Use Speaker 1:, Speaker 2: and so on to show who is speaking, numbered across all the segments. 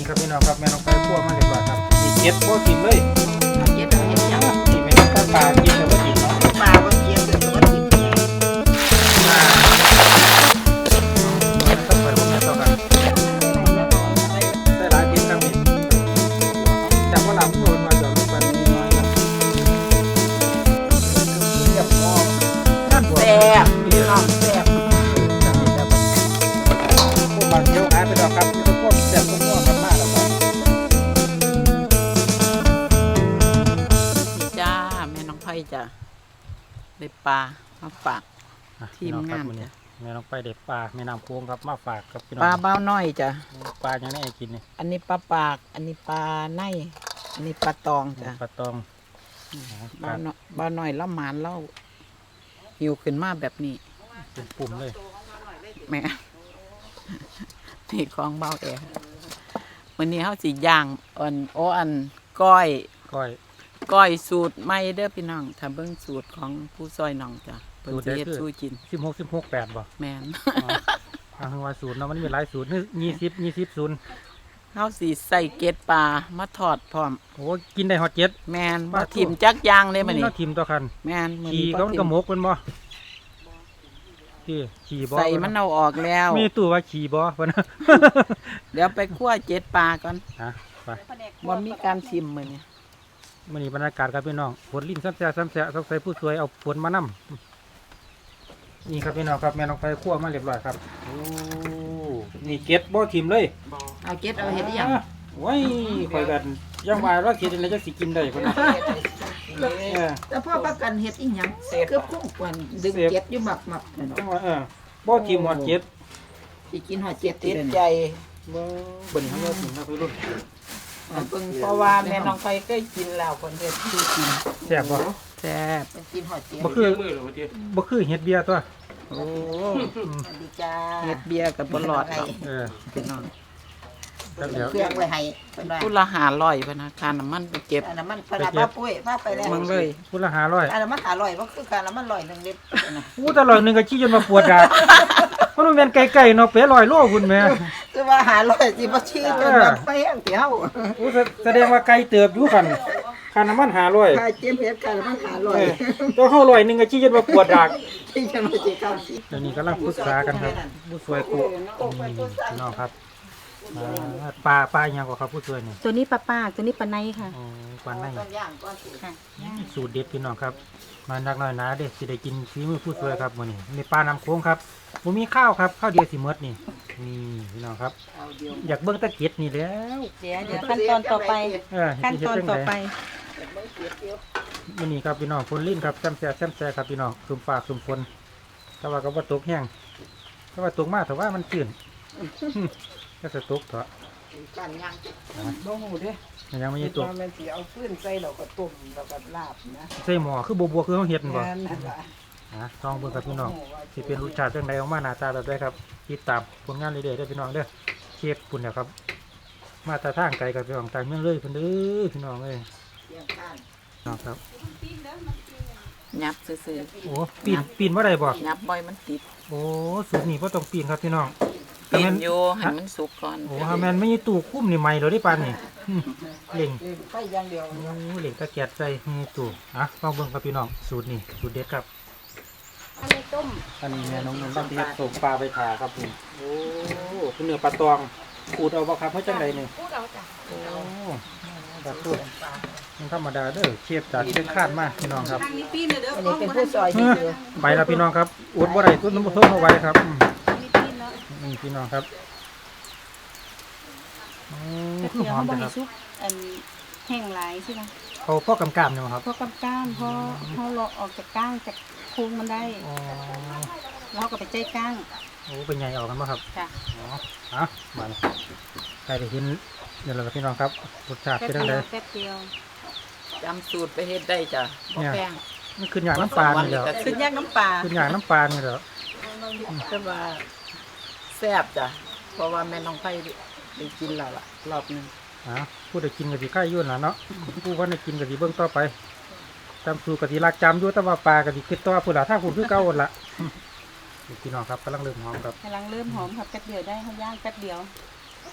Speaker 1: นี่ครับพี่น้องครับแม่น้องไปคั่วมาเรียบร้อยครับมีเก็ดบ่กินเลย
Speaker 2: เก็บเอาเห็ดหยัง
Speaker 1: นี่แม่น้องปลากินแต่บ่กินเนาะ
Speaker 2: ปลาบ่เก็บแต่ว่ากิน
Speaker 1: มันต้องไปพวกนี้ต่อกันได้หลายกินครับนี่จากว่าหลังโดนมาจากลูกปลานิดน้อยนะเรียบร้อยนั่นบ่
Speaker 2: แซ่บพี่น้องแซ่บ
Speaker 1: พวกบางเที่ยวหายไปดอกครับนี่ก็พวกแซ่บพวกม่วงกันมากแล้วครับ
Speaker 2: จ้าแม่น้องไผ่จ้ะได้ปลามาฝากทีมงานจ้ะ
Speaker 1: แม่น้องไปเด็ดปลาแม่น้ำโค้งครับมาฝากครับพี่น้อง
Speaker 2: ปลาเบ้าน้อยจ้ะ
Speaker 1: ปลายังได้กินนี่
Speaker 2: อันนี้ปลาปากอันนี้ปลาในอันนี้ปลาตองจ้ะ
Speaker 1: ปลาตอง
Speaker 2: เบ้าน้อยละหมานเล่าหิวขึ้นมาแบบนี้
Speaker 1: เป็นปุ่มเลย
Speaker 2: แม่ นี่ของเบาแอร์วันนี้เขาสิย่างอันก้อย
Speaker 1: ก้อย
Speaker 2: สูตรใหม่เด้อพี่น้องถ้าเบิ่งสูตรของผู้ซอยน้องจ้ะเพิ่นสิเฮ็ดสู้กิน
Speaker 1: 16 8บ่
Speaker 2: แม่น
Speaker 1: ทางว่าสูตรเนาะมันมีหลายสูตรนี่20ศูนย์
Speaker 2: เฮาสิใส่เกล็ดปลามาทอดพร้อม
Speaker 1: โอ้กินได้ฮอตเจ็ด
Speaker 2: แม่นบ่ทิ่มจักอย่างเลยมื้อนี้
Speaker 1: เนาะทิมตัวคัน
Speaker 2: แม่นมื้อ
Speaker 1: ขี่
Speaker 2: นี้
Speaker 1: ก็มันกระหมกเป็นบ่ที่ขี่บ่
Speaker 2: ใส่มันเอาออกแล้ว
Speaker 1: มีตู้ว่าขี่บ่เพิ่นนะ
Speaker 2: เดี๋ยวไปคั่วเจ็ดปลาก่อน
Speaker 1: ไป
Speaker 2: บ่มีการทิ่มมื้อนี้
Speaker 1: มื้อนี้บรรยากาศครับพี่น้องฝนลิ้นซ้ำแซ่ต้องใส่ผู้สวยเอาฝนมานํนี่ครับพี่น้องครับแม่น้องไปคั่วมาเรียบร้อยครับโอ้นี่เก็ดบ่ทิมเลย
Speaker 2: เอาเกล็ดเอาเฮ็ดอีหยัง
Speaker 1: โอ้ยข่อยกันยังว่าเราเฮ็ดจังได๋จักสิกินได้เพิ่นน่ะ
Speaker 2: แต่พ่อประกันเฮ็ดอีหยังคือพุ่งกวนดึงเกล็ดอยู่หมักนั่น
Speaker 1: จั
Speaker 2: เนาะ
Speaker 1: งว่าบ่ทิมฮอดเก็ด
Speaker 2: สิกินฮอดเจ็ดติดใจ
Speaker 1: บ่เบิ่นเฮาว่าสินะพี่รุ่น
Speaker 2: เพราะว่าแม่น้องไฟเคยกินแล้วคนเฮ็ดคือกิน
Speaker 1: แซ่บบ่
Speaker 2: แซ่บกินฮอดเจ็ด
Speaker 1: บ่คือเฮ็ดเบียร์ตัว
Speaker 2: โอ้สวัสดีจ้าเฮ็ดเบียร์กับบ่รอดดอก พี่น้อง
Speaker 1: ครับเดี๋ยว
Speaker 3: เครื่องไว้ให้เพิ่นว่า
Speaker 2: ผู้ละ500พะนะค่าน้ำมันไปเก็บ
Speaker 3: อันนั้นมันเพิ่นว่าป้าปุ้ยพาไปแล้ว
Speaker 2: มึงเลย
Speaker 1: พุละ500
Speaker 3: อันนั้นมัน500บ่คือกันแล้วมัน100นึงเด็ดนะ
Speaker 1: อู้ตลอดนึงก็ชี้จนมาปวดดากมันแม่นไก่ๆเนาะเป๋100โลพุ่นแม่
Speaker 3: คือว่า500สิบ่ชี้จนแบบไปแห้งเตียว
Speaker 1: อู้แสดงว่าไก่เติบอยู่คันค่าน้ำมัน500
Speaker 3: ถ้าเจ็บเฮ็ดกันมัน
Speaker 1: ตัวเฮา100นึงก็ชี้จนมาปวดดาก
Speaker 3: 500ที่จะมาสิเข้าสิ
Speaker 1: เดี๋ยวนี้กำลังปรึกษากันครับผู้ช่วยกูพี่น้องครับปลาอีหยังก็ครับผู้ช่วยนี่
Speaker 4: ตัวนี้ปลาปากตัวนี้ปลาในค่ะ
Speaker 1: อ๋อปลาใน
Speaker 3: ต้นย่างก่อนสิ
Speaker 4: ค่ะ
Speaker 1: สูตรเด็ดพี่น้องครับมานักน้อยหนาเด้สิได้กินฝีมือผู้ช่วยครับมื้อนี้นี่ปลาน้ำโค้งครับบ่มีข้าวครับข้าวเดียวสิหมดนี่นี่พี่น้องครับ
Speaker 3: เอาเดียว
Speaker 1: อยากเบิ่งตะเกียบนี่แล้ว
Speaker 4: เดี๋ยวขั้นตอนต่อไป ขั้นตอนต่อไป
Speaker 1: มื้อนี้ครับพี่น้องฝนลิ้นครับแซมแซ่ครับพี่น้องซุ่มฟ้าซุ่มฝนแต่ว่าก็บ่ตกแห้งแต่ว่าตกมาแต่ว่ามันชื้นก็จะตกเถอะ
Speaker 3: กันย่าง
Speaker 2: บ่ฮู้เด้
Speaker 1: มันยังไม่ได้ตก
Speaker 2: ว่ามันสิเอาฟืนใส่แล้วก็ต้มแล้วก็ลาบนะ
Speaker 1: ใส่หม้อคือบัวคือเฮาเฮ็ดนั่นบ่
Speaker 2: แม่นนั่นล่ะ
Speaker 1: ลองเบิ่งครับพี่น้องสิเป็นรสชาติจังไดออกมาหน้าตาแบบใดครับติดตามผลงานเรื่อยๆเด้อพี่น้องเด้อเชฟปุ่นเนี่ยครับมาแตาทางไกลกับพี่น้องต่างเมืองเลยเพิ่นเด้อพี่น้องเอ้ย
Speaker 3: เตียงข้าง
Speaker 1: น้องครับ
Speaker 2: ยับซื่อ
Speaker 1: โอ้ปีนบ่ได้บ่
Speaker 2: ๆยับบ่อยมันติด
Speaker 1: โอ้สูตรนี้บ่ต้องปีนครับพี่น้อง
Speaker 2: ปีนอยู่ให้มันสุกก่อน
Speaker 1: โอ้ฮาแม่นไม่มีตู้คุ้มนี่ใหม่แล้วได้ปานนี่เล่ง
Speaker 3: ไปอย่างเดียว
Speaker 1: โอ้เหล็กตะเกียบใส่มีตู้ลองเบิ่งครับพี่น้องสูตรนี้สูตรเด็ดครับ
Speaker 4: อันนี้ต้ม
Speaker 1: อันนี้แม่น้องนนท์บ้านที่ส่งปลาไปถ่าครับผมโอ้เป็นเนื้อปลาตองขูดเอาบ่ครับเพื่อจังใดนี่
Speaker 4: พูดเอาจ้ะ
Speaker 1: โอ้ปลาตูดมันธรรมดาเด้อเชฟจากเชียงคานมาพี่น้องครับ
Speaker 4: ทางนี้ปีนเลยเด้อ
Speaker 3: อันนี้เป็นผู้ซอยที่อยู่
Speaker 1: ไปแล้วพี่น้องครับอดบ่ได้ตุ้นน้ำมันส้มเอาไว้ครับ
Speaker 4: ทางนี้ปีนแล้ว
Speaker 1: นี่พี่น้องครับคือ
Speaker 4: เดี๋ยว
Speaker 1: หอม
Speaker 4: เขาบ
Speaker 1: จั
Speaker 4: อง ก
Speaker 1: ค
Speaker 4: ให้
Speaker 1: รับ
Speaker 4: ซุปอันแห้งหลายใช่ไหม
Speaker 1: เขาพ่อกำกามเนี่ยครับ
Speaker 4: เพราะกับก้านเพราะเขาเลาะออกจากก้างจากโค้งมันได้
Speaker 1: อ๋อ
Speaker 4: แล้วก็ไปใจก้าง
Speaker 1: โอ้เป็นไงออกกันบ่ครับ
Speaker 4: ค่ะ
Speaker 1: อ๋อมาเลยใครได้เห็นเดี๋ยวเราพี่น้องครับรสชาติ
Speaker 4: แป๊บ
Speaker 1: เป็นยัง
Speaker 4: เดี
Speaker 1: ไง
Speaker 4: ยวแป๊บเดียว
Speaker 2: จำสูตรไปเฮ็ดได้จ้ะบ่แพง
Speaker 1: มันขึ้นอย่างน้ำปลานี่แหล้ว
Speaker 2: ขึ้นยากน้ำปลา
Speaker 1: ขึ้นอย่างน้ำปลานี่แหล้ว
Speaker 2: คือว่าแซ่บจ้ะเพราะว่าแม่น้องไผ่ได้กินแล้วล่ะรอบหนึง
Speaker 1: ผู้ได้กินกับสีไข่ยุ่นล่ะเนาะผู้ว่าได้กินกับสีเบิ้งต่อไปจำสูตรกับสีรักจำอยู่แต่ว่าปลากับสีคิดต่อผู้ละถ้าคุณคือเก่าหมดละพี่น้องครับกำลังเริ่มหอมครับ
Speaker 4: กำลังเริ่มหอมค่ะแป๊บเดียวได้เขาย่างแป๊บเดียว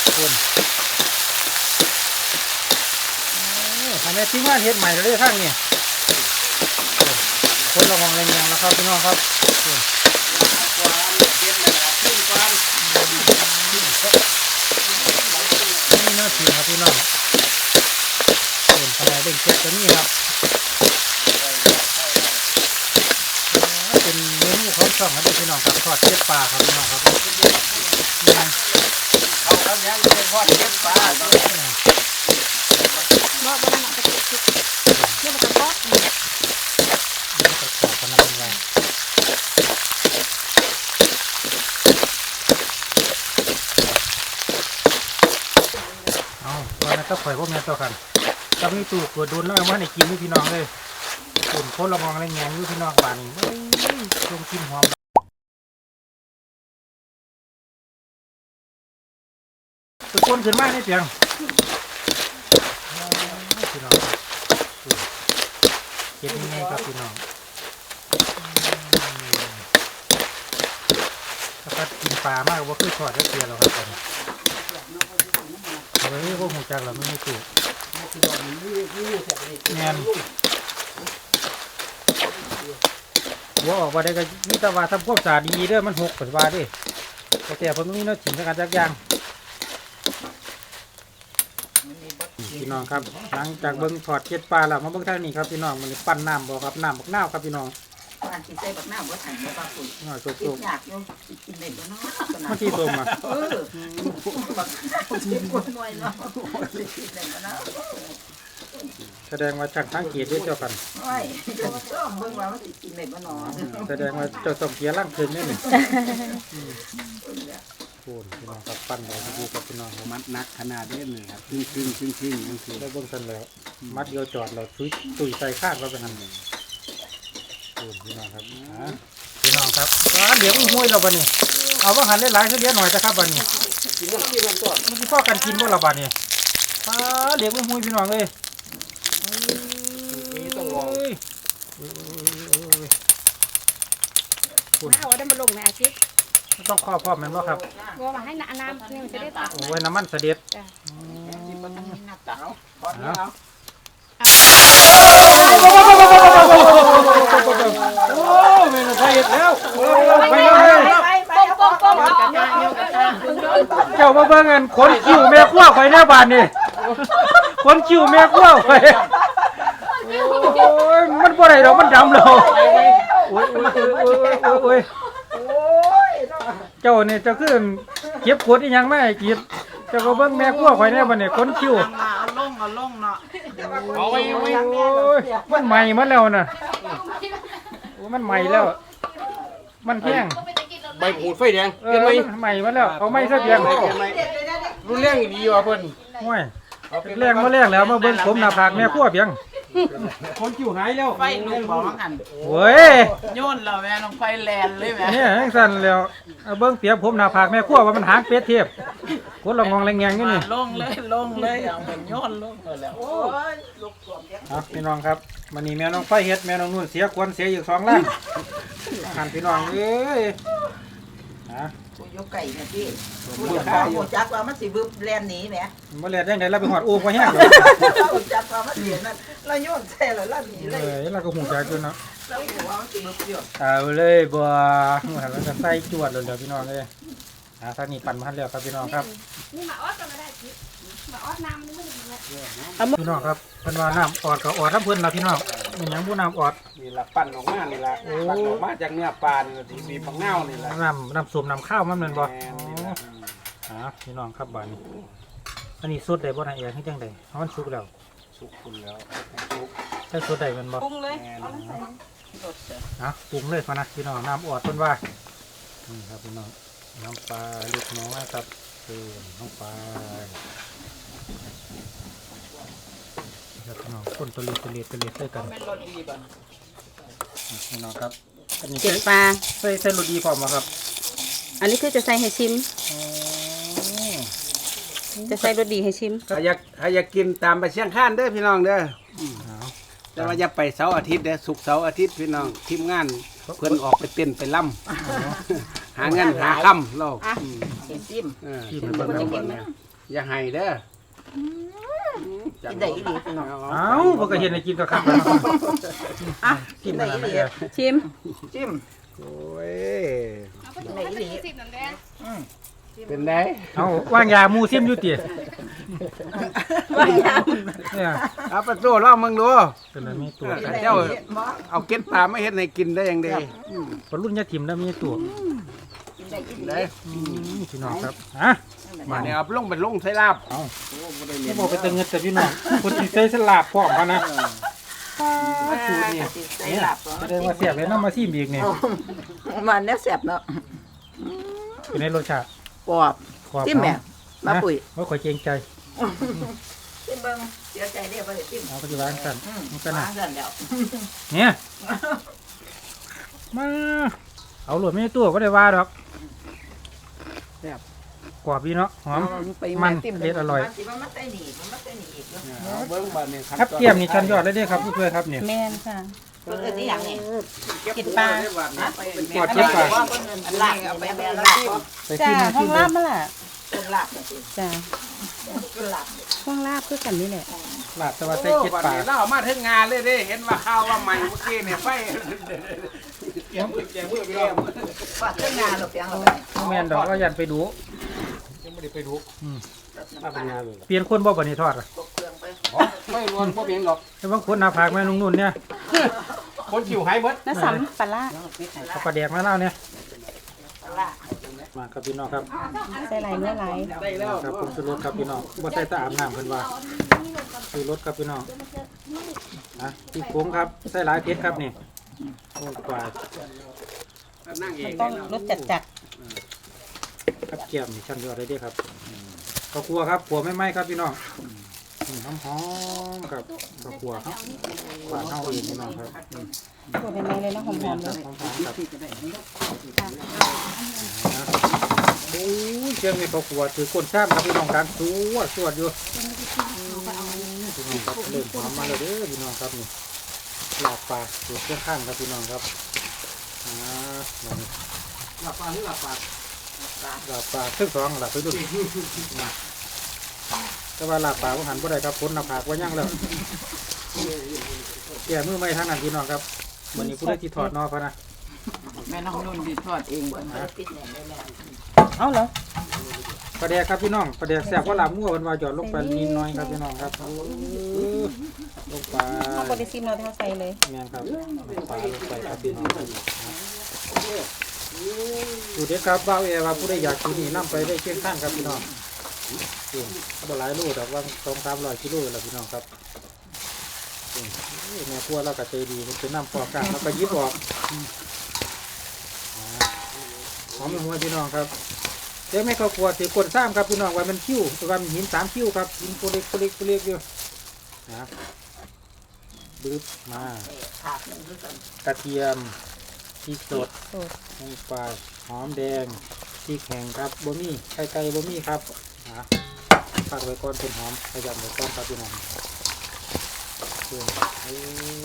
Speaker 1: คนทำให้ทิ้งงานเฮ็ดใหม่เลยข้างนี้คนระวังแรงๆแล้วครับพี่น้องครับนี่น่าชิมครับพี่น้องเป็นทำไมเด้งเจ็ดตัวนี้ครับเป็นเมนูของช่องครับพี่น้องครับทอดเจ็ดปลาครับพี่น้องครับ
Speaker 5: เอาครับยังเป็นทอดเก็บปลา
Speaker 4: บ่บ่นั่นน่ะตะกี้เดี๋ยวมันก็บ่
Speaker 1: จะขอพนักงานเอาวันนั้นก็ปล่อยพวกนี้ต่อกันตอนนี้ตู่เกิดโดนแล้วว่าในกินนี่พี่น้องเลยตุ่นโคตรละมองแรงงานอยู่พี่น้องบ้านนี่ลงกินหอมตะโกนขึ้นมาในเสียงพี่น้องเก็บยังไงครับพี่น้องถ้ากินปลามากว่าคือทอดได้เกลือแล้วครับตอนนี้เฮ้ยพวกหูจักเราไม่ถูกแน่นว่าออกมาได้ก็มีตะวันทำควบสาดีเด้อมันหกปัจจุบันดิแต่ผมมีน้อยถิ่นสักการจักยางพี่น้องครับหลังจากเบิ้งถอดเกล็ดปลาแล้วมาเบิ้งทางนี้ครับพี่น้องมันปั้นน้ำบ่ครับน้ำบักนาวครับพี่น้อง
Speaker 3: บ้านที่ใส่บักหน้าบ่ทันบ่ปลาปุ๋ย
Speaker 1: น้อยโ
Speaker 3: กิ
Speaker 1: ซ
Speaker 3: นยากอยู่กินได้บ่เนาะ
Speaker 1: มันที่ตรงมา
Speaker 3: บักที่กวนหน่อยเนาะกินได้บ่เนาะ
Speaker 1: แสดงว่าจักทั้งเกียรติเจ้ากัน
Speaker 3: โอ้ยเดี๋ยวเบิ่งว่ามันสิกินได้บ่เนาะ
Speaker 1: แสดงว่าเจ้าต้องเกียร์ล่างคืนนี่นี่พูดพี่น้องครับปั้นเลยดีกับพี่น้อง
Speaker 5: มัดนักขนาดนี้เลยครับครึ่งนั่นคือ
Speaker 1: ได้เบิ้งทันแล้วมัดเดียวจอดเราตุยใส่ข้างเราไปหันพูดพี่น้องครับพี่น้องครับเหลียงห้วยเราบ้านี่เอาว่าหันเล่นหลายเลี้ยงหน่อยนะครับบ้านี่มันพ่อกันกินบ่ละบ้านี่เหลียงห้วยพี่น้องเลยต้องลอง
Speaker 4: เอาได้มาลงในอาทิตย์
Speaker 1: ต้องข้อพ่อแม่นบ่ครับ
Speaker 4: บ่มาให้น้ำนี่มันจะได้ตัด
Speaker 1: โอ้ยน้ำมันเสด็จ
Speaker 3: กินบ่ต้องมีหน้าตาเอาพอด
Speaker 1: เอา
Speaker 3: แล้ว
Speaker 1: โอ้เมนูไทยแล้วไปเลย
Speaker 3: ไปเอาป้อมกันยาเดียวกันนะ
Speaker 1: เจ้ามาเบิ่งกันขนคิ้วแม่ขั้วไฟแน่บานนี่ขนคิ้วแม่ขั้วไฟโอ้ยมันบ่ได้ดอกมันดำแล้วโอ้ยโอ้ยเจ้าเนี่ยเจ้าคือเก็บขวดอีหยังมาให้กินเจ้าก็เบิ่งแม่ขั้วไฟแน่บานนี่ขนคิ้ว
Speaker 2: เอาลงเนาะ
Speaker 1: โอ้ยมันใหม่มาแล้วน่ะโอ้มันใหม่แล้ว มันแห้ง
Speaker 5: ใบหูดไฟแดง
Speaker 1: มันใหม่มาแล้วเอาไม้ซะเพียง
Speaker 5: รู้เรื่องดีว่ะเพิ่น
Speaker 1: โอ้ยแรงมาแรงแล้วมาเบิ่งผมหน้าผากแม่ขั้วเพียง
Speaker 5: คนคิวหายแล้ว
Speaker 2: ไฟลุกบอกหัน
Speaker 1: โอ้ย
Speaker 2: โยนเราแม่ลงไฟแลนเลยแม่
Speaker 1: เนี่ยจังสั่นแล้วเอาเบิ่งเปียกผมหน้าผากแม่ขั้วว่ามันหางเป็ดเทียบคนละงองแรงแงงอยู่นี่
Speaker 2: ลงเลยเอาเหมือนโยนลงเลยแล้ว
Speaker 3: โอ้ยลูกสวมเลี้ยง
Speaker 1: ครับพี่น้องครับวันนี้แม่น้องไฟเฮ็ดแม่น้องนุ่นเสียควนเสียอยู่2ล้านหันพี่น้องเอ้ยฮะ
Speaker 3: กูยกไก่นะพี่กูจะขอหมูจักว่ามันสิบึบแล่นหนีแหม
Speaker 1: บ่แลดจังได๋เราไปหอดอูบ่แห้งเลย
Speaker 3: หมูจักว่ามันเสียนั่นเราโยนใส่แล้วหนีเลย
Speaker 1: เอ้ยเราก็หูจักอยู่เนาะ
Speaker 3: เราหัวมันสิบึบอยู่
Speaker 1: เอาเลยบ่หันแล้วก็ใส่จวดเลยเดี๋ยวพี่น้องเอ้ยทางนี้ปั่นมาแล้วครับพี่น้องครับ
Speaker 4: นี่มาออดก็ไม่ได้ทิศมาออดน้ำนี่มันจะ
Speaker 1: พี่น้องครับเพิ่นว่าน้ำออดก็ออดน้ำเพิ่นล่ะพี่น้องมันหยังบ่น้ำออด
Speaker 5: นี่ละปั่นออกมานี่ละปั่นออกมาจากเนื้อปลานี่ละที่มีปังเน่านี่ละ
Speaker 1: น้ำส้มน้ำข้าวมันแม่นบ่
Speaker 5: แม่นนี่ล่ะ
Speaker 1: พี่น้องครับบ้านนี้อันนี้สดได้บ่นายเอ๋ให้จังได๋เพราะมันสุกแล้ว
Speaker 5: สุกคุณแล้วสุก
Speaker 1: ใช้สดได้แม่นบ่
Speaker 3: ปรุงเลย
Speaker 5: แม่น
Speaker 1: ปรุงเลยพะนะพี่น้องน้ำออดเพิ่นว่านี่ครับพี่น้องน้ำปลาเล็กน้อยครับน้ำปลาครับพี่น้องคนตัวเล็กด้วยกันพี่น้องครับอันนี้
Speaker 6: เก็บปลา
Speaker 1: ใส่รสดีพร้อมบ่ครับ
Speaker 6: อันนี้คือจะใส่ให้ชิม จะใส่รสดีให้ชิม
Speaker 5: ถ้าอยากกินตามไปเชียงคานเด้อพี่น้องเด้อแต่ว่าอย่าไปเสาร์อาทิตย์เด้อศุกร์เสาร์อาทิตย์พี่น้องทีมงานเพิ่นออกไปเต้นไปล่ำหาเงินหาค่ำเรา
Speaker 3: ซิม
Speaker 1: ที่มันเบิ่งแล้ว
Speaker 5: เบิ่งแล้วอย่าให้เด้อ
Speaker 3: กินได้อีหลีพี่น้อง
Speaker 1: เอ้าบ่ก็เห็นให้กินก็ครับ
Speaker 3: อ่ะ
Speaker 1: กิ
Speaker 3: กิ
Speaker 1: น
Speaker 3: น
Speaker 1: มา
Speaker 3: ได้
Speaker 1: แล้ว
Speaker 3: อีห
Speaker 1: นะ
Speaker 3: ลี
Speaker 6: ชิม
Speaker 3: จิ้ม
Speaker 5: โอ้ย
Speaker 3: กินได้อีหลี
Speaker 5: เป็นได
Speaker 1: เอาว่างยาหมูซิมอยู่ติ
Speaker 3: ว่ายาว
Speaker 1: เนี่ย
Speaker 5: เอาประตูลองมึงดู
Speaker 1: เป็นอะไรมีตัว
Speaker 3: กิน
Speaker 1: กัน
Speaker 3: ได้
Speaker 5: เจ้า
Speaker 3: อีหลีบ่
Speaker 5: เอาเก็ดปลาไม่เฮ็ดให้กินได้ยังได
Speaker 1: คนรุ่นยาถิ่มแล้วมีตัว
Speaker 3: กินได้อีหลี
Speaker 5: ได้
Speaker 1: พี่น้องครับฮะ
Speaker 5: มาเนี่ยเอาลงเป็นลงใส่ลาบ
Speaker 1: นี่บอกไปเติมเงินแต่พี่น้องคนที่ใช้สลาบพร้อมกันนะสูตรนี่
Speaker 3: ใส่หลับ
Speaker 1: แสดงว่าเสียบเลยน้ำมาซิมอีกนี่
Speaker 3: มันแล้วแซ่บเนาะ
Speaker 1: เป็นในรสชาติ
Speaker 3: กรอบ
Speaker 1: ขอบ
Speaker 3: จิ้มแม่มาปุ๋ย
Speaker 1: ว่าขอยเกรงใจ
Speaker 3: จิ้มเบิ่งเสียใจเด้อบ่ได้จิ้ม
Speaker 1: เอาปฏิบัติกันมันก็
Speaker 3: มา
Speaker 1: นะ
Speaker 3: สั่นแล้ว
Speaker 1: เนี่ยมาเอาหลวดไม่ได้ตัวก็ได้ว่าดอกกรอบดีเนาะหอม มันเด็ดอร่อย
Speaker 3: มันสิว่ามันใส่หนีมันมาใส่หนีอีกเนาะ
Speaker 5: เอาเบิ่งบัดนี้
Speaker 1: ครับเทียมนี่ชั้นยอดเลยเด้อครับเพื่อนๆครับเนี่ย
Speaker 6: แม่นค่ะ
Speaker 3: เพิ่นเอิ้นอีหยังนี่
Speaker 6: กินปลา
Speaker 1: กอดเจ็บปาก
Speaker 3: ว่าเพิ่นเอิ้นอันลาบเอาไปแม่ลาบบ่
Speaker 1: ไป
Speaker 6: จ้า
Speaker 1: ที่มา
Speaker 6: ห้อ
Speaker 1: ที่
Speaker 6: ง
Speaker 1: เดิ
Speaker 6: ลาม บมาล่ะ
Speaker 3: เพิ่นลาบจังซี่
Speaker 6: จ้า
Speaker 3: เพิ่นลาบ
Speaker 6: ห้องลาบคือกันนี่แหละ
Speaker 1: ลาบแต่ว่าใส่เจ็ดปาก
Speaker 5: เราเอามาถึงงานเลยเด้เห็นว่าข้าวว่าใหม่เมื่อกี้เนี่ยไฟแกมือไปแล้ว
Speaker 3: ฟาดเครื่องงานหรอกเปียงหรอก
Speaker 1: แม่นดอกก็ยันไปดู
Speaker 5: ยังไม่ได้ไปดู
Speaker 3: น้ำปลา
Speaker 5: งานเลย
Speaker 1: เปลี่ยนคนบ่บันนี้ทอดอะ
Speaker 3: ตกเครื่องไป
Speaker 5: ไม่รวนบ่เพียงหรอก
Speaker 1: แต่บางคนหน้าผากแม่นุ่นๆเนี่ย
Speaker 5: คนชิวหายเบิด
Speaker 6: น้าสัมปลาร้า
Speaker 1: เอาปลาแดกมาเล่าเนี่ย
Speaker 3: ปลาร้า
Speaker 1: มาครับพี่น้องครับ
Speaker 6: ใส่ไหลเนื้อไหล
Speaker 5: ได้แล้ว
Speaker 1: ครับผมซื้อรถครับพี่น้องบ่ใส่ตะอาบน้ำเพิ่นว่าซื้อรถครับพี่น้องนะที่โค้งครับใส่หลายเพชรครับนี่โอ้กว่า
Speaker 5: นั่งเอ
Speaker 6: มัน
Speaker 5: ง
Speaker 6: ต้องรสจัด
Speaker 1: ครับเกียมนี่ชั้นยอดเลยเด้อครับข้าวคั่วครับขัวไม่ไหม้ครับพี่น้องหอมๆครับข้าวคั่วครับหวานเท่าเองพี่น้องครับ
Speaker 6: ๆตัวเป็นไงเลยนะหอมๆเลย
Speaker 1: หอมๆครับโอ้ยเชียงนี่ข้าวคั่วถือก้นซ้ำครับพี่น้องการสวดอยู่พี่น้องครับเริ่มหอมมาแล้วเด้อพี่น้องครับนี่ลาบปลาสูตรเครื่องข้างครับพี่น้องครับมานี่
Speaker 5: หลับปลาหรือหลับปลา
Speaker 1: ลาบปลาเครื่องสองลาบไปดูแต่ว่าลาบปลาก็หันบ่ได้ครับพ้นหน้าผากว่ายั่งแล้วแก่มือไม่ทั้งนั้นพี่น้องครับวันนี้ผู้ได้ที่ถอดนอพะนะ
Speaker 2: แม่น้องนุ่นดีทอดเองเพิ่น
Speaker 3: ปิดแหน่ได้แล้ว
Speaker 6: เอาเหรอ
Speaker 1: ปลาแดกครับพี่น้องปลาแดกแซ่บว่าลาบมั่วมันว่าหยอดลงไปนิดหน้อยครับพี่น้องครับลงไป
Speaker 6: เขาบริซิมเราเท่าใส่เลย
Speaker 1: แม่นครับปลาลงไปครับพี่น้องครับดูเด็ดครับบ้าวเอว่าผู้ใดอยากกินนี่นํไปได้เชียงข้างครับพี่น้องบ่หลายโลดอกว่า200-300 กิโลแล้วพี่น้องครับแม่ครัวเราก็ใจดีมันเป็นน้ำปอกกลางแล้วก็ยิบออกหอมหัวพี่น้องครับเดี๋ยวไม่เข้าครัวถือกดซ้ำครับพี่น้องว่ามันคิ้วว่ามันหิน3 คิ้วครับหินตัวเล็กอยู่นะบึ๊บมา
Speaker 3: ถาดนึงคือกัน
Speaker 1: กระเทียมพริกสด
Speaker 6: สด
Speaker 1: ลงไปหอมแดงพริกแห้งครับบะหมี่ไก่บะหมี่ครับฝากไว้ก่อนเป็นหอมขยำไว้ก่อนครับพี่น้องโอ้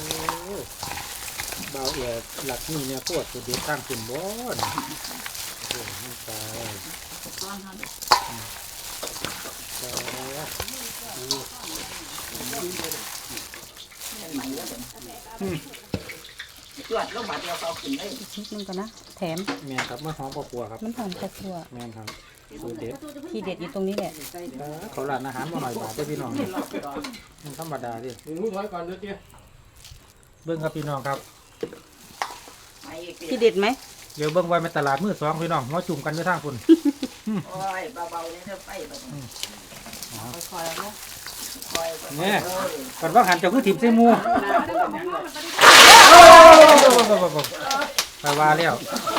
Speaker 1: เบาเอียหลักนี่เนี่ยปวดสุดเด็ดข้างคุณบ่อนลงไป
Speaker 3: จวดลงมาเดียวเขาขึ้นเลย
Speaker 6: นิดนึงก่อนนะ แถม
Speaker 1: แม่ครับเมื่อหอมปลัวครับ
Speaker 6: มันหอมกระชัว
Speaker 1: แม่ครับสูตรเด็ด
Speaker 6: ที่เด็ดอยู่ตรงนี้แหละ
Speaker 1: เขาร้านอาหารมาหน่อยบาทได้พี่น้องมันธรรมดาดิ
Speaker 5: รู้ถอยก่อนเด้อเตี้ย
Speaker 1: เบิ้งครับพี่น้องครับ
Speaker 3: ไปอีก
Speaker 6: ที่เด็ดไหม
Speaker 1: เดี๋ยวเบิ้งไว้ในตลาดมือ2พี่น้องหัวจุ่มกันอยู่ทางคุณ
Speaker 3: โอ้ยเบาๆเลยเด้อไปแบบค่อยๆนะค่อยๆ
Speaker 1: เนี่ยก่อนว่าหันเจ้าคือถิ่มเสมูไปว่าแล้ว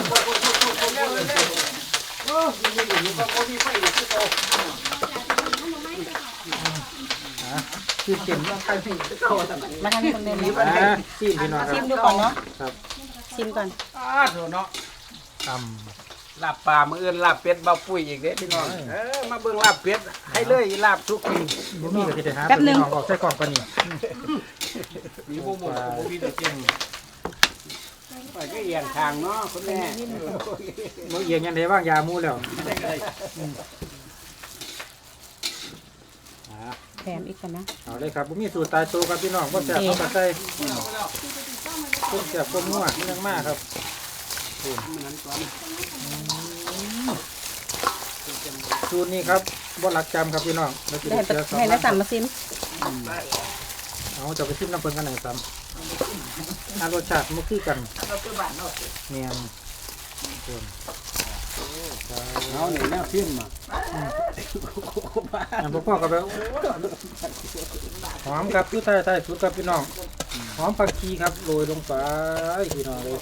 Speaker 1: ชิมเต็ม
Speaker 6: มาทางคนเดินนะ
Speaker 1: ชิมพี่น้องค
Speaker 6: ชิ
Speaker 1: รับ
Speaker 6: มดูก่อนเนาะ
Speaker 1: ครับ
Speaker 6: ชิมก่อน
Speaker 5: โดนเนาะ
Speaker 1: ต
Speaker 5: ลาบปลามื้ออื่นลาบเป็ดเบาปุ้ยอีกเด้พี่น้องมาเบิ่งลาบเป็ดให้เลยลาบทุกที
Speaker 1: ำบุ้มี่ก็จะได้หาพี่น้องออกใส่กล่องปะนี่
Speaker 5: มีบ่หมดบ่มีแต่เก่งไปก็เอียงทางเนาะคุณแม่
Speaker 1: เมื่อเอียงยังได้ว่างยามูแล้ว
Speaker 6: ถมอีกก่อนนะ
Speaker 1: เอาเลยครับผมมีสูตรตายตัวครับพี่น้องก็แซ่บเอามาใส่ต้มแซ่บต้มนัวเรื่องมากครับสูตรนี้ครับบ่หลักจำครับพี่น้องเราจะ
Speaker 6: ได้
Speaker 1: ได้เจอสอง
Speaker 6: ให้แล้วสั่งมาซิม
Speaker 1: เอาจะไปชิมน้ำเปิ้ลกันหน่อยซ้ำรสชาติมันคือกัน
Speaker 3: เราคือบ้านเนาะ
Speaker 1: เนียน
Speaker 5: เอาเนี่ยแนวทิมอ่ะ
Speaker 1: อันพ่อกับแบบหอมครับคือใต้สุดครับพี่น้องหอมผักชีครับโรยลงไปพี่น้องเลย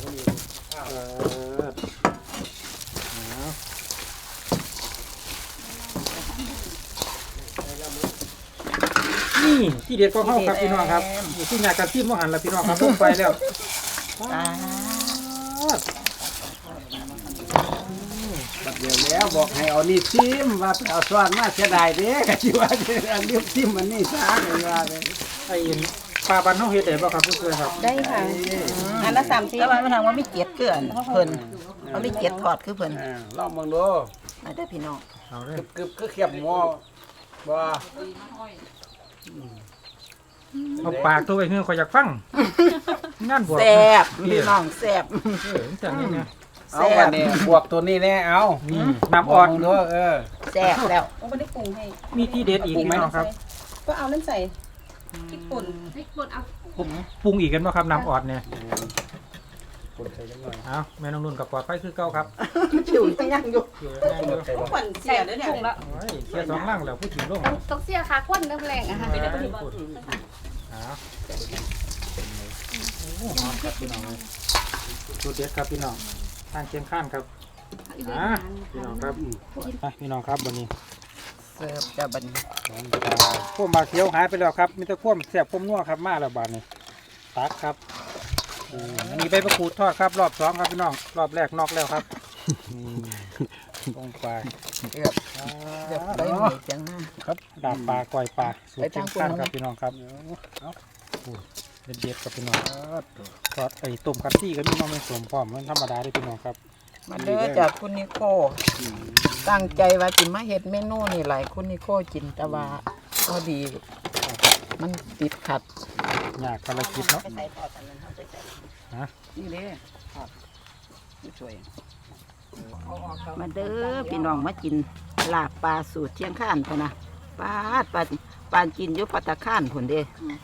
Speaker 1: นี่ที่เด็ดของเขาครับพี่น้องครับนี่ที่งานการทิมมหันละพี่น้องครับลงไปแล้ว
Speaker 5: บัดเดียวแล้วบอกให้เอานี่ทิมว่าไปเอาซ้อนมาเสียดายเด้ก็สิว่าอันเรียบทิมมันนี่ซะเลยว่าเลย
Speaker 1: ไอ้ปลาบันเขาเฮ็ดได้บ่ครับผู้ช่วยครับ
Speaker 6: ได้ค่ะอันละ30
Speaker 3: แต่ว่ามันทางว่าไม่เกียดเกลือนเพิ่นเขาไม่เกียดทอดคือเพิ่น
Speaker 5: ลองเบิ่งดู
Speaker 3: มาได้พี่น้อง
Speaker 1: เอาเลย
Speaker 5: กึบคือเขียบหม้อบ่
Speaker 1: เอาปากตัวไอ้เฮือคอยอยากฟังงานบวช
Speaker 3: แซ่บพี่น้องแซ่บ
Speaker 1: จังนี้เนี่ย
Speaker 5: เอาบัดนี้บวกตัวนี้แน่เอา
Speaker 1: นี่น้ำอ่อน
Speaker 5: บวกเบิ่งดู
Speaker 3: แซ่บแล้ว
Speaker 6: โอ้ไม่ได้ปรุงให้
Speaker 1: มีที่เด็ดอีกไหมน้องครับ
Speaker 6: ก็เอานั่นใส่พริกป่น
Speaker 1: ปรุงอีกกันบ่ครับน้ำอ่อนเนี่ย
Speaker 5: คนใส่จังหน่อย
Speaker 1: เอาแม่น้องนุ่นกับปลอดไฟคือเก่าครับ
Speaker 3: ชิวยังอยู่
Speaker 1: อยู่แน่เลย
Speaker 6: ป่นเสียแล้วเนี่ย
Speaker 1: โอ้ยเสียสองล่างแล้วพูดถึงลง
Speaker 4: ต้องเสียขาควนน้ำแรงอะค่ะ
Speaker 1: เอาโอ้หอมครับพี่น้องเลยสูตรเด็ดครับพี่น้องทางเชียงข้านครับพี่น้องครับพี่น้องครับวันนี้
Speaker 3: เสิร์ฟจะบัดนี้
Speaker 1: พวกมาเขียวหายไปแล้วครับมีแต่พวกแสบพวกนัวครับมาแล้วบาดนี้ตักครับอันนี้ใบมะกรูดทอดครับรอบสองครับพี่น้องรอบแรกนอกแล้วครับลงไป
Speaker 3: เกือบได้หน่อยจังนะครับ
Speaker 1: ดาบปลาก้อยปลาสูตรเชียงข้านครับพี่น้องครับเด็ดๆครับพี่น้องทอดไอ้ต้มคัตซี่ก็มีน้องไม่สมพร้อมมันธรรมดาด้วยพี่น้องครับ
Speaker 3: มาเด้อจากคุณนิโคตั้งใจว่าสิมาเฮ็ดเมนูนี่หลายคุณนิโคจินแต่ว่าก็ดี มันติดขัด
Speaker 1: ยากภารกิจเนาะฮะ
Speaker 3: นี่เด้ช่วยมาเด้อพี่น้องมากินลาบปลาสูตรเชียงข้านพะนะปลากินอยู่ปัตตาข้านผลเด้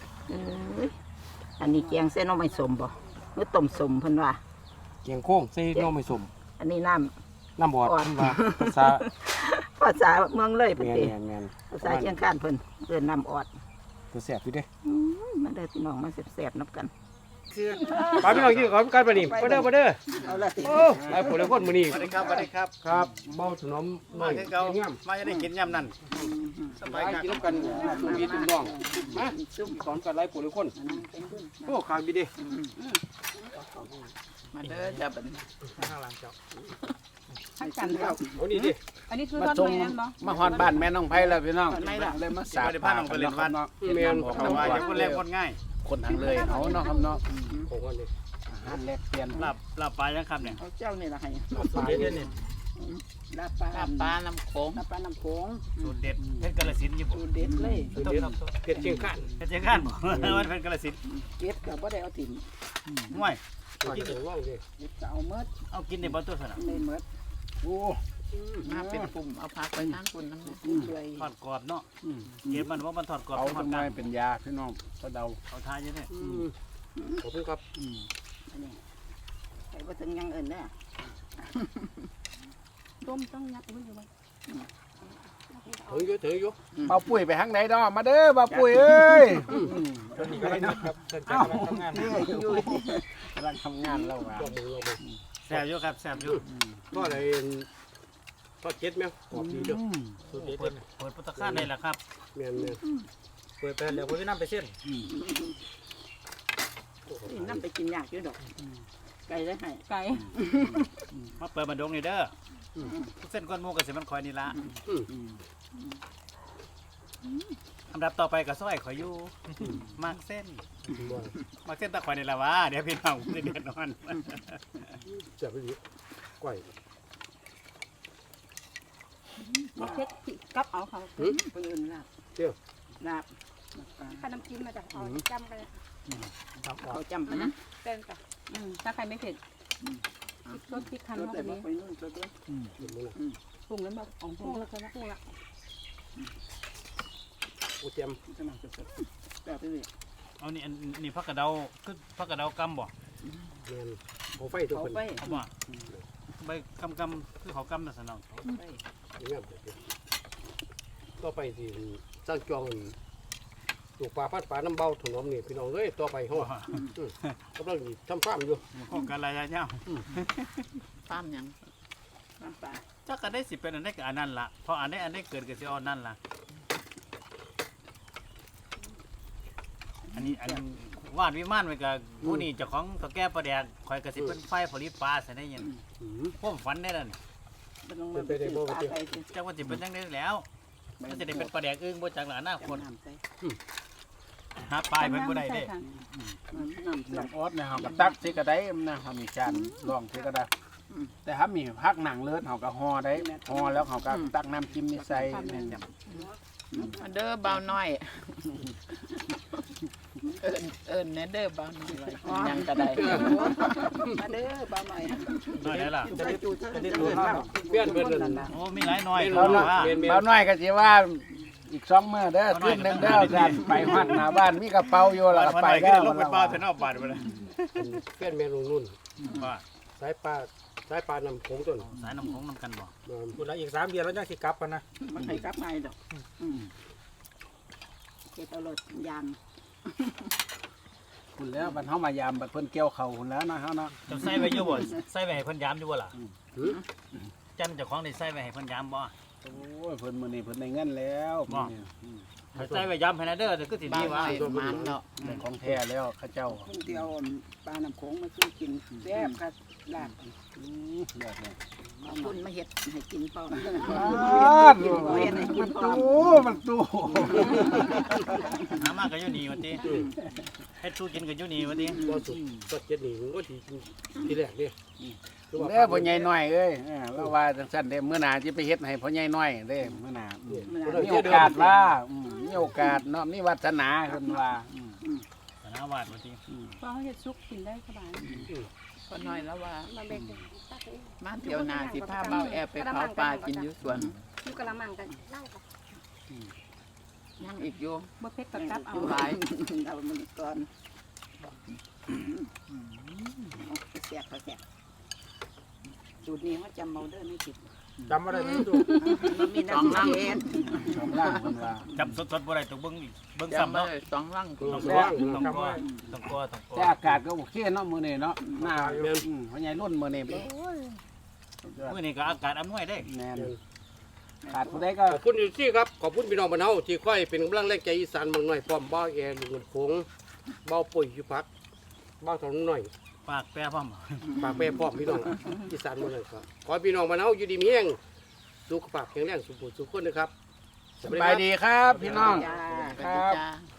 Speaker 3: อันนี้แกงเส้นน้องไม่สมบ่หรือต้มสมเพิ่นว่า
Speaker 5: เกียงโค้งใส่น้องไม่สม
Speaker 3: อันนี้น้
Speaker 5: น้ำบอดเพิ่นว่าภาษา
Speaker 3: ำภาษาเมืองเลยเพิ่น
Speaker 5: แม่
Speaker 3: เด้
Speaker 5: น
Speaker 3: ภาษาเชียงข้านเพิ่นเอิ้นน้ำออด
Speaker 5: ตัวแซ่บอยู่เด้
Speaker 3: มาเด้อพี่น้องมาแซ่บๆนับกัน
Speaker 5: ปาพี่น้องกินขอกันบ่นี่บ่เด้อบ่เด้อ
Speaker 3: เอาละติ
Speaker 5: โอ้หลายผู้หลายคนมื้อนี้
Speaker 7: สวัสดีครับสวัสดีครับ
Speaker 5: ครับเมาถนอมน้
Speaker 7: มา
Speaker 5: อย
Speaker 7: คือเก่า
Speaker 5: งาม
Speaker 7: มาจะได้กินยำนั่นส
Speaker 5: ไป
Speaker 7: บายครับ
Speaker 5: กินกันทุกปีทุกน้องมาซุ่มสอนกันหลายผู้หลายคนโอ้ขางบีเด้
Speaker 3: มาเด้อจ้าบัดนี้
Speaker 1: ข้างหลังเจ้า
Speaker 6: ทั้งกันครับ
Speaker 5: โอ้นี่ดิ
Speaker 6: อันนี้คือ
Speaker 5: มา
Speaker 6: ทอด
Speaker 5: ส่ง
Speaker 6: แม่นบ่
Speaker 5: มาฮอดบ้านแม่น้องไผแล้วพี่น้องเลยมาสา
Speaker 7: สาธิตพาน้องไปเล่นบ้าน
Speaker 5: แม่น
Speaker 7: บอกแต่ว่าอย่างคนแรกคนง่าย
Speaker 5: คนทางเลยเอาเนาะครับเนาะผมว่านี่อาหารแลกเปลี่ยน
Speaker 7: ลาบปลายังครับเนี่ย
Speaker 3: เอาเจ้านี่ล่ะให้
Speaker 1: สูตรเด็ดเนี่ย
Speaker 3: ลาบปลา
Speaker 2: ปลาน้ำโขง
Speaker 3: ลาบปลาน้ำโขง
Speaker 7: สูตรเด็ดเพชรกาฬสินธุ์ญี่ปุ่น
Speaker 3: สูตรเด็ดเลย
Speaker 5: เผ็ดเชียงคาน
Speaker 7: เพชรเชียงคานบอกมันเป็นกาฬสินธุ์
Speaker 3: เก็บก็บ่ได้เอาถิ่ม
Speaker 7: ห่วย
Speaker 5: กินว่างดิ
Speaker 3: เก็บก็เอาเมด
Speaker 7: เอากินในบ่ตัวสนะ
Speaker 3: ในเมด
Speaker 5: โอ้
Speaker 2: มาเป็นกลุ่มเอาผักไปนั่งคุณน้ำ
Speaker 3: ช่วย
Speaker 7: ทอดกรอบเนาะเก็บมันว่ามันทอดกรอบ
Speaker 5: เอา
Speaker 7: ทอด
Speaker 5: ทำไม
Speaker 7: กัน
Speaker 5: เป็นยาพี่น้องก็เดา
Speaker 7: เอาทานเยอะเนี่ย
Speaker 5: ขอบคุณครับ
Speaker 3: อันนี้ไปบ่ถึงอยังอื่นเด้อ
Speaker 4: ต้มต้องยัดไว้อยู่ไว้
Speaker 5: ถืออยู่เบาปุ๋ยไปทางไหนดอมาเด้อเบาปุ๋ยเอ้ย
Speaker 1: ตอนนี้ก็ได้ครับเกิดจากการทำงาน
Speaker 5: กำลังทำงานแล้วว่ะ
Speaker 7: แซ่บอยู่ครับแซ่บอยู่
Speaker 5: ก็เลยทอดเจ็ดไหมกรอบดีเด้อ
Speaker 1: สูตรเด็ด
Speaker 7: เปิดพุทธคานได้แหละครับ
Speaker 5: แม่น
Speaker 1: เปิดไปเดี๋ยวผมจะนำไปเส้น
Speaker 3: นี่นำไปกินยากอยู่ดอกไก่ได้ให้
Speaker 4: ไก่
Speaker 7: มาเปิดบันดงนี่เด้อเส้นก้อนหมูกับเส้นมันคอยนี่ละอันดับต่อไปกับซอยขอยอยู่มากเส้นตะคอยนี่ละวะเดี๋ยวพี่น้องจะเดือดร้อน
Speaker 5: จะไปดิก้อย
Speaker 4: มาเช็ดกับเอาค่ะ
Speaker 3: เพิ่นอื่นล่ะลาบ
Speaker 4: ถ้าน้ำจิ้มมาจากเอาจำกันเลย
Speaker 1: ทำออก
Speaker 3: เขาจำกันนะ
Speaker 4: เต้นจ้ะถ้าใครไม่เผ็ดพริกรสพริกคั้นเข้าไปนี้ปรุงแล้วแบบปรุงแล้วก็ปรุงละ
Speaker 5: อุเจียม
Speaker 3: แบบนี้
Speaker 7: เอานี่อันนี่ผักกระเดาคือผักกระเดากำบ่
Speaker 5: แม่นเขาไฟตัว
Speaker 3: เขา
Speaker 5: เพิ่น
Speaker 3: ไป
Speaker 7: เอาบ่ใบกำคือเขากำน่ะสนอง
Speaker 5: อย่างนั้นต่อไปสิสร้างจองปลูกปลาพัดปลาน้ำเบาถนอมนี่พี่น้องเอ้ยต่อไปเฮากำลังทำฟาร์มอยู่
Speaker 7: โครงการระยะยาว
Speaker 2: ฟาร์มหยัง
Speaker 3: น้ำปลา
Speaker 7: จักก็ได้สิเป็นอันนี้กับอันนั้นล่ะเพราะอันนี้เกิดกับสิเอาอันนั้นล่ะอันนี้วาดวิมานไว้กับผู้นี่เจ้าของตะแก่ประแดกคอยกระสิเป็นไฟผลิตปลาใส่ได้ยินพวกฝันได้นั่น
Speaker 3: เป็นลงมาเป็นปลาไปสิ
Speaker 7: จักว่าสิเป็นจังได้แล้วมันจะได้เป็นประแดกอึ้งบ่จักหลาหน้าคน
Speaker 3: น้ำใส่
Speaker 7: หาปลายเพิ่นบ่ได้เด้
Speaker 3: น้ำใส่
Speaker 5: ลำออดนะเฮาก็ตักสิก็ได้นะเฮามีจานรองสิก็ได้แต่ถ้ามีพักหนังเลิศเฮาก็ห่อได้ห่อแล้วเฮาก็ตักน้ำจิ้มนี่ใส่แม่น
Speaker 2: มาเด้อเบาน้อยเอิ้นแน่เด้อเบาน้อยหยังก็ได้
Speaker 3: มาเด้อบ้าหน่อย
Speaker 7: น้อยได้ล่ะ
Speaker 3: จะจูด
Speaker 5: อันนี้ตัวข้าวเปลี่ยนเบิดเลย
Speaker 7: โอ้มีหลายน้อย
Speaker 5: เมนู
Speaker 7: คือว่า
Speaker 5: เมนู
Speaker 8: เบาหน่อยก็สิว่าอีก2 มื้อเด้อคืนนึงเด้อกันไปฮอดหน้าบ้านมีกระเป๋าอยู่แล้วก็ไป
Speaker 7: ก็
Speaker 8: แล้ว
Speaker 7: ลงไปปลาเถอะเนาะบาดไปเลย
Speaker 5: เปลี่ยนเมนูนุ่น
Speaker 7: ว่า
Speaker 5: สายปลาน้ำโขงต้น
Speaker 7: สายน้ำของน้ำกันบ่
Speaker 1: คุณละอีก3 เดือนแล้วยังสิกลับกันนะ
Speaker 3: มันให้กลับมาดอกเก็บเอารถยาง
Speaker 8: คุณแล้วบัดเฮามายามบัดเพิ่นเกี่ยวข้าวพุ่นแล้วนะเฮาเนาะ
Speaker 7: จะใส่ไว้อยู่บ่ใส่ไว้ให้เพิ่นยามอยู่บ่ล่ะจันเจ้าของได้ใส่ไว้ให้เพิ่นยามบ่
Speaker 8: โอ้ยเพิ่นมื้อนี้เพิ่นได้เงินแล้วมื้อนี้
Speaker 7: ให้ใส่ไว้ยามให้นะเด้อแต่คือสิ
Speaker 2: บ้า
Speaker 7: ดี
Speaker 2: น
Speaker 7: ว่า
Speaker 2: น้อยมันเนาะ
Speaker 8: ได้ของแท้แล้วเขาเจ้า
Speaker 3: เดียวปลาน้ำโขงมาซื้อกินแซ่บค่ะลาบ
Speaker 8: เลิศเลย
Speaker 3: เอาคุณมาเห็ดให้กินเปล่า
Speaker 8: มันตู้
Speaker 7: หามาก็อยู่นี่ว่าติเฮ็ดสู้กินก็อยู่นี่ว่าติ
Speaker 5: ก็สุดก็เจ็ดนี่ก็ทีแรกนี่
Speaker 8: เด้อพ่อใหญ่น้อยเอ้ยเราว่าจังซั่นเด้มื้อหน้าสิไปเฮ็ดให้พ่อใหญ่น้อยเด้มื้อหน้ามีโอกาสว่ามีโอกาสเนาะมีวาสนาเพิ่นว่า
Speaker 7: สนาวาดว่าติ
Speaker 4: เพราะเขาจะซุกกินได้สบาย
Speaker 2: ก็น้อยแล้วว่า
Speaker 4: มาเบ็ดตักเอง
Speaker 2: มาเที่ยวหน้าสิพาเบาแอบไปเผาปลากินอยู่สวน
Speaker 4: อยู่กะละมังกันเล่ากับ
Speaker 2: ยังอีกอยู่
Speaker 4: บ่เผ็ดกับกับเอา
Speaker 2: หลาย
Speaker 3: เอามันก่อนแซ่บเขาแซ่บสูตรนี้เขาจำเมาเด้อไม่ผิด
Speaker 1: จำบ่ได้ไหมดู
Speaker 3: มีน้ำเย็น
Speaker 8: สองล่างเพิ่นว่า
Speaker 7: จับสดๆบ่ได้ต้องเบิ่งอีกเบิ่ง
Speaker 2: จำ
Speaker 7: ซ้ำ
Speaker 2: มา
Speaker 7: เนาะ
Speaker 2: เลย2 ลัง
Speaker 7: ต้อง
Speaker 5: แซ่
Speaker 7: ก
Speaker 5: บ
Speaker 7: ต้องกลัวต้องกลัวต้องกลัว
Speaker 8: แต่อากาศก็โอเคเนาะมื้อนี้เนาะหน้าพ่อใหญ่รุ่นมื้อนี้
Speaker 7: มื้อนี้ก็อากาศอำนวยเด้
Speaker 8: แม่นขาดผู้ใดก็
Speaker 5: ขอบคุณอยู่ที่ครับขอบคุณพี่น้องบ้านเฮาที่ค่อยเป็นกำลังแรงใจอีสานเมืองหน่อยพร้อมบ้าแอร์ลุงลำโขงบ้าปุ๋ยอยู่พักบ้าถนนหน่อย
Speaker 7: ปากแปรพร้อม
Speaker 5: ปากแปรพร้อมพี่น้องอีสานเมืองหน่อยครับขอให้พี่น้องบ้านเฮาอยู่ดีมีแรงสุขภาพแข็งแรงสุขภาพสุขคนนะครับ
Speaker 8: สบายดีครับพี่น้อง
Speaker 3: จ้า
Speaker 8: ครับ
Speaker 2: จ้า